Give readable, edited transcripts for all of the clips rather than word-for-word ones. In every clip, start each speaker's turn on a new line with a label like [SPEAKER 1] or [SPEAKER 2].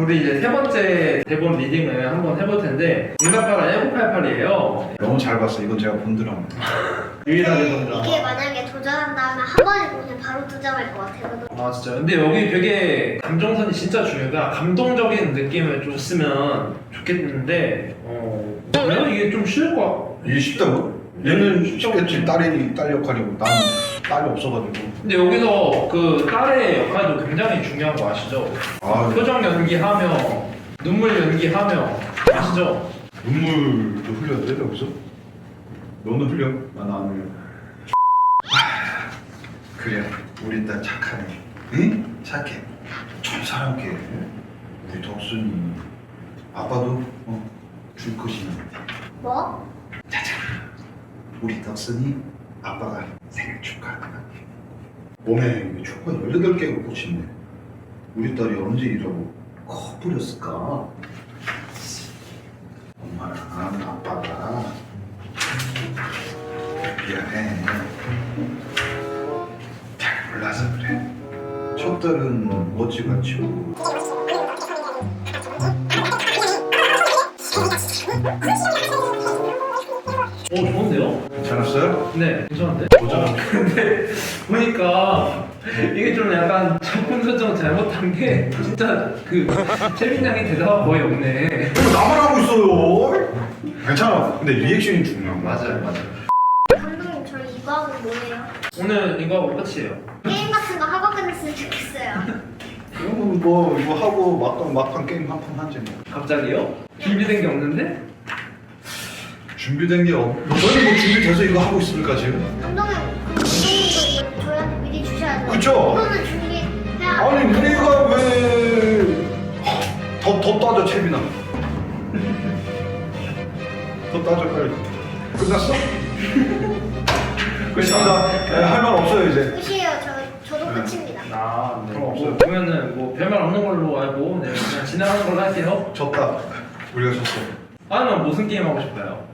[SPEAKER 1] 우리 이제 세 번째 대본 리딩을 한번 해볼 텐데 응답하라 1988이에요.
[SPEAKER 2] 너무 잘 봤어. 이건 제가 본 드라마.
[SPEAKER 1] 유일하게 본
[SPEAKER 3] 이게
[SPEAKER 1] 드라마.
[SPEAKER 3] 만약에 도전한다면 한 번에 그냥 바로 도전할 것 같아요.
[SPEAKER 1] 아 진짜. 근데 여기 되게 감정선이 진짜 중요해요. 감동적인 느낌을 줬으면 좋겠는데 그래요? 이게 좀 쉬울 것 같고.
[SPEAKER 2] 이게 쉽다고? 얘는 쉽겠지. 딸 역할이고 나는 딸이 없어가지고.
[SPEAKER 1] 근데 여기서 그 딸의 역할도 굉장히 중요한 거 아시죠?
[SPEAKER 2] 아,
[SPEAKER 1] 표정 연기하며 눈물 연기하며 아시죠?
[SPEAKER 2] 눈물도 흘려야 돼 여기서? 너는 흘려? 나는 안 흘려. 그래, 우리 딸 착하네. 응? 착해. 천사랑게. 우리 덕순이 아빠도 줄 것이니.
[SPEAKER 3] 뭐?
[SPEAKER 2] 짜잔. 우리 덕순이 아빠가 생일 축하한다. 몸에 초가 18개가 꽂힌네. 우리 딸이 언제 이러고 커버렸을까? 엄마랑 아빠가 미안해. 잘 몰라서 그래. 첫 딸은 어찌같이고
[SPEAKER 1] 좋은데요?
[SPEAKER 2] 괜찮았어요?
[SPEAKER 1] 네, 괜찮은데?
[SPEAKER 2] 도전.
[SPEAKER 1] 근데 보니까 이게 좀 약간 작품 설정 잘못한 게 진짜 그 채민 양이 대사가 거의 없네.
[SPEAKER 2] 이거 나만 하고 있어요. 괜찮아. 근데 리액션이 중요한 거야.
[SPEAKER 1] 맞아요.
[SPEAKER 3] 감독님 저희 이거 하고 뭐예요?
[SPEAKER 1] 오늘 이거 하고 끝이에요.
[SPEAKER 3] 게임 같은 거 하고 끝냈으면 좋겠어요.
[SPEAKER 2] 그러면 뭐 이거 하고 막판 게임 한 판 하지 뭐.
[SPEAKER 1] 갑자기요? 준비된 게 없는데?
[SPEAKER 2] 준비된 게 너는 뭐 준비돼서 이거 하고 있습니까 지금?
[SPEAKER 3] 감독님 감독님도 이거 저희한테 미리 주셔야 돼요.
[SPEAKER 2] 그쵸?
[SPEAKER 3] 이거는 준비해야
[SPEAKER 2] 아니 우리가 왜 더 따져 채빈아. 더 따져 빨리. 끝났어? 끝입니다. 할 말 없어요 이제.
[SPEAKER 3] 끝이에요. 저도
[SPEAKER 2] 네.
[SPEAKER 3] 끝입니다.
[SPEAKER 1] 아, 네.
[SPEAKER 2] 그럼 없어요.
[SPEAKER 1] 그러면은 뭐 별말 없는 걸로 알고 네, 그냥 진행하는 걸로 할게요.
[SPEAKER 2] 졌다. 우리가 졌어.
[SPEAKER 1] 아니면 무슨 게임 하고 싶어요?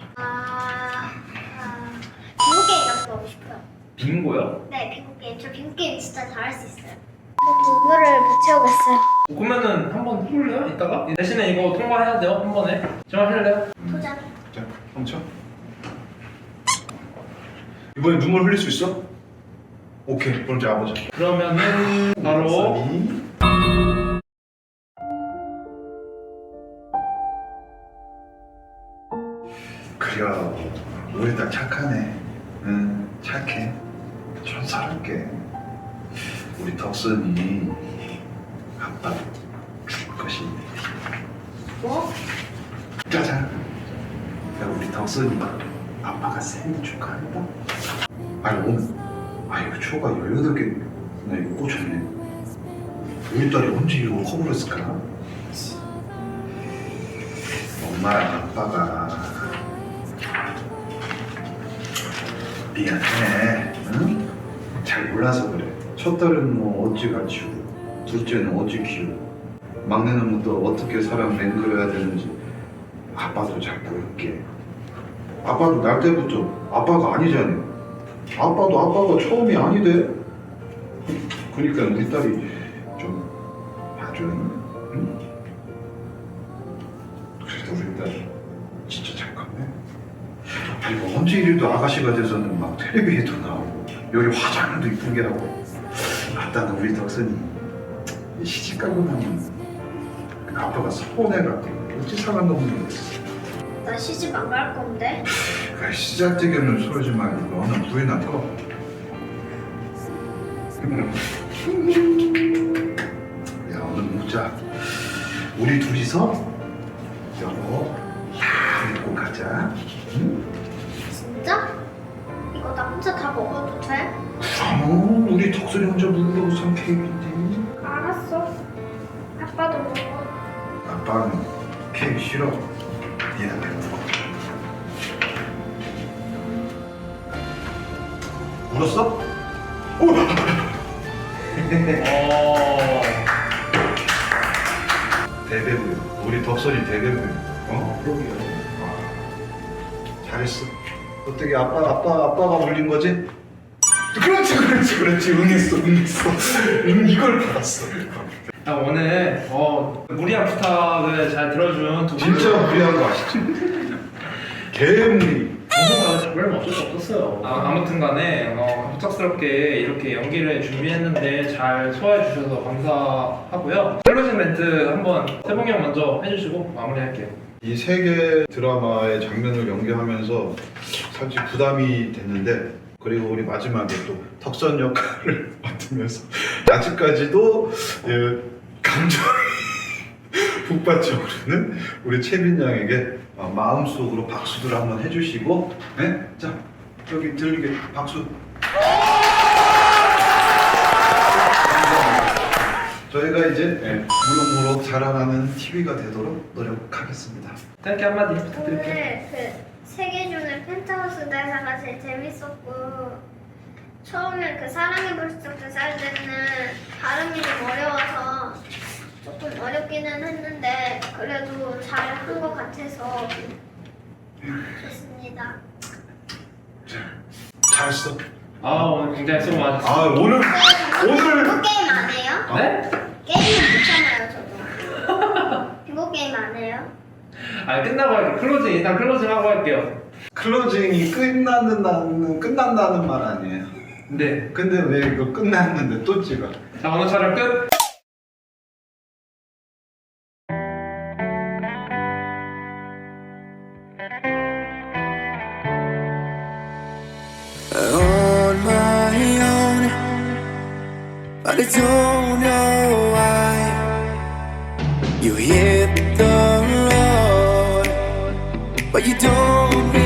[SPEAKER 3] 빙고 게임 같은 거 하고 싶어요.
[SPEAKER 1] 빙고요?
[SPEAKER 3] 네, 빙고 게임. 저 빙고 게임 진짜 잘할 수 있어요. 저 빙고를 못 채우겠어요.
[SPEAKER 1] 그러면은 한번 해볼래요? 이따가? 대신에 이거 통과해야 돼요 한 번에. 정말 할래요?
[SPEAKER 3] 도전.
[SPEAKER 2] 자, 멈춰. 이번에 눈물 흘릴 수 있어? 오케이, 그럼 이제 아버지.
[SPEAKER 1] 그러면은 바로
[SPEAKER 2] 그려, 우리 딸 착하네. 응, 착해. 천사롭게. 우리 덕선이 아빠 줄 것이네.
[SPEAKER 3] 뭐?
[SPEAKER 2] 짜잔. 야, 우리 덕선이 아빠가 생일 축하한다. 아니 오늘 이거 초가 18개 나 이거 꽂혔네. 우리 딸이 언제 이거 커버렸을까? 엄마랑 아빠가 미안해. 응? 잘 몰라서 그래. 첫 딸은 뭐 어찌 가르치고 둘째는 어찌 키우고 막내는 또 어떻게 사람 맹글어야 되는지 아빠도 잘 모를게. 아빠도 날 때부터 아빠가 아니잖아. 아빠도 아빠가 처음이 아니대. 그러니까 우리 딸이 좀 봐줘. 응? 그래도 우리 딸 진짜 착하네. 그리고 언제 이래도 아가씨가 돼서는 막 텔레비에도 나오고 여기 화장도 이쁘게 하고. 아따는 우리 덕선이 시집 가고 나면 아빠가 서운해가지고 어찌 사람 너무 모르겠어.
[SPEAKER 3] 나 시집 안 갈 건데.
[SPEAKER 2] 그래, 시작되기는 소리지 말고 너는 부인나 터. 야 오늘 묵자. 우리 둘이서 여보 다 입고 가자. 응?
[SPEAKER 3] 진짜? 이거 나 혼자 다 먹어도 돼?
[SPEAKER 2] 그럼 우리 덕선이 혼자 먹으려고 산 케이크인데.
[SPEAKER 3] 알았어. 아빠도 먹어.
[SPEAKER 2] 아빠는 케이크 싫어. 미안해. 울었어? 오! 대배부. 우리 덕선이 대배부.
[SPEAKER 1] 그러게요.
[SPEAKER 2] 잘했어. 어떻게 아빠가 울린 거지? 그렇지. 응했어. 이걸 받았어.
[SPEAKER 1] 오늘 무리한 부탁을 잘 들어준 두 분.
[SPEAKER 2] 진짜 무리한 거 아시죠? 개무리.
[SPEAKER 1] 방송가가 잡으려면 어쩔 수 없었어요. 아무튼 간에 갑작스럽게 이렇게 연기를 준비했는데 잘 소화해 주셔서 감사하고요. 클로징 멘트 한번 세봉이 형 먼저 해주시고 마무리할게요.
[SPEAKER 2] 이 세계 드라마의 장면을 연기하면서 사실 부담이 됐는데, 그리고 우리 마지막에 또 덕선 역할을 맡으면서 아직까지도 감정이 북받쳐오르는 우리 채민 양에게 마음속으로 박수들 한번 해주시고, 네? 자, 여기 들리게 박수. 저희가 이제 무럭무럭 자라나는 TV가 되도록 노력하겠습니다.
[SPEAKER 1] 짧게 한마디 부탁드릴게요.
[SPEAKER 3] 오늘 그 세계준의 펜트하우스 대사가 제일 재밌었고, 처음에 그 사랑의 불쑥 살 때는 발음이 좀 어려워서 조금 어렵기는 했는데 그래도 잘 한 것 같아서 좋습니다.
[SPEAKER 2] 잘했어.
[SPEAKER 1] 오늘 굉장히 수고 많으셨어요.
[SPEAKER 2] 아, 오늘
[SPEAKER 3] 빙고 게임 안 해요?
[SPEAKER 1] 네?
[SPEAKER 3] 게임은 못하나요 저도? 빙고 게임 안 해요?
[SPEAKER 1] 끝나고 할게요. 클로징 일단 클로징 하고 할게요.
[SPEAKER 2] 클로징이 끝난다는 말 아니에요?
[SPEAKER 1] 네.
[SPEAKER 2] 근데 왜 이거 끝났는데 또 찍어?
[SPEAKER 1] 자, 오늘 촬영 끝.
[SPEAKER 4] On my own, but I don't know why you hit the road, but you don't